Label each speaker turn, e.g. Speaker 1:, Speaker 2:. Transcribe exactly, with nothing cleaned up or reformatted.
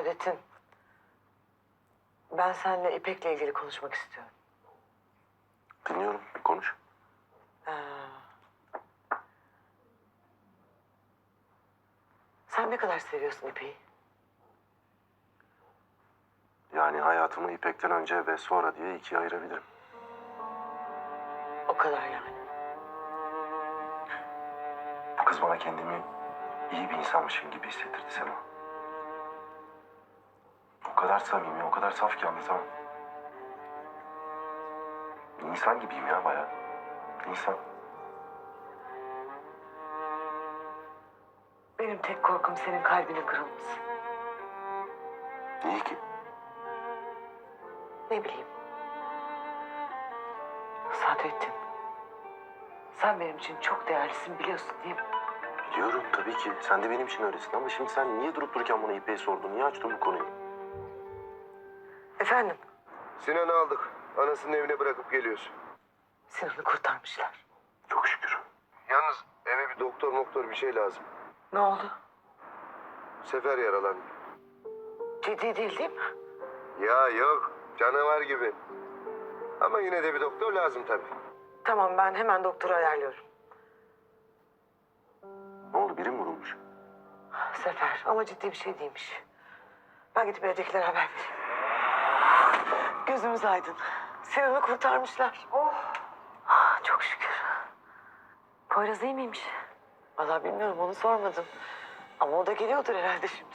Speaker 1: Saadettin, ben seninle İpek'le ilgili konuşmak istiyorum.
Speaker 2: Dinliyorum, konuş.
Speaker 1: Ee, sen ne kadar seviyorsun İpek'i?
Speaker 2: Yani hayatımı İpek'ten önce ve sonra diye ikiye ayırabilirim.
Speaker 1: O kadar yani.
Speaker 2: Bu kız bana kendimi iyi bir insanmışım gibi hissettirdi Sema. O kadar samimi, o kadar saf ki anlatamam. İnsan gibiyim ya bayağı. İnsan.
Speaker 1: Benim tek korkum senin kalbinin kırılması.
Speaker 2: İyi ki.
Speaker 1: Ne bileyim. Saadettin, sen benim için çok değerlisin biliyorsun değil mi?
Speaker 2: Biliyorum tabii ki. Sen de benim için öylesin ama şimdi sen niye durup dururken bana İpek'i sordun? Niye açtın bu konuyu?
Speaker 1: Efendim,
Speaker 3: Sinan'ı aldık. Anasının evine bırakıp geliyoruz.
Speaker 1: Sinan'ı kurtarmışlar.
Speaker 2: Çok şükür.
Speaker 3: Yalnız eve bir doktor moktor bir şey lazım.
Speaker 1: Ne oldu?
Speaker 3: Sefer yaralandı.
Speaker 1: Ciddi değil değil mi?
Speaker 3: Ya yok. Canavar gibi. Ama yine de bir doktor lazım tabii.
Speaker 1: Tamam, ben hemen doktoru ayarlıyorum.
Speaker 2: Ne oldu? Biri mi vurulmuş?
Speaker 1: Sefer ama ciddi bir şey değilmiş. Ben gidip evdekilere haber vereyim. Gözümüz aydın. Sinan'ı kurtarmışlar. Oh. Ah, çok şükür. Poyraz iyi miymiş? Vallahi bilmiyorum, onu sormadım. Ama o da geliyordur herhalde şimdi.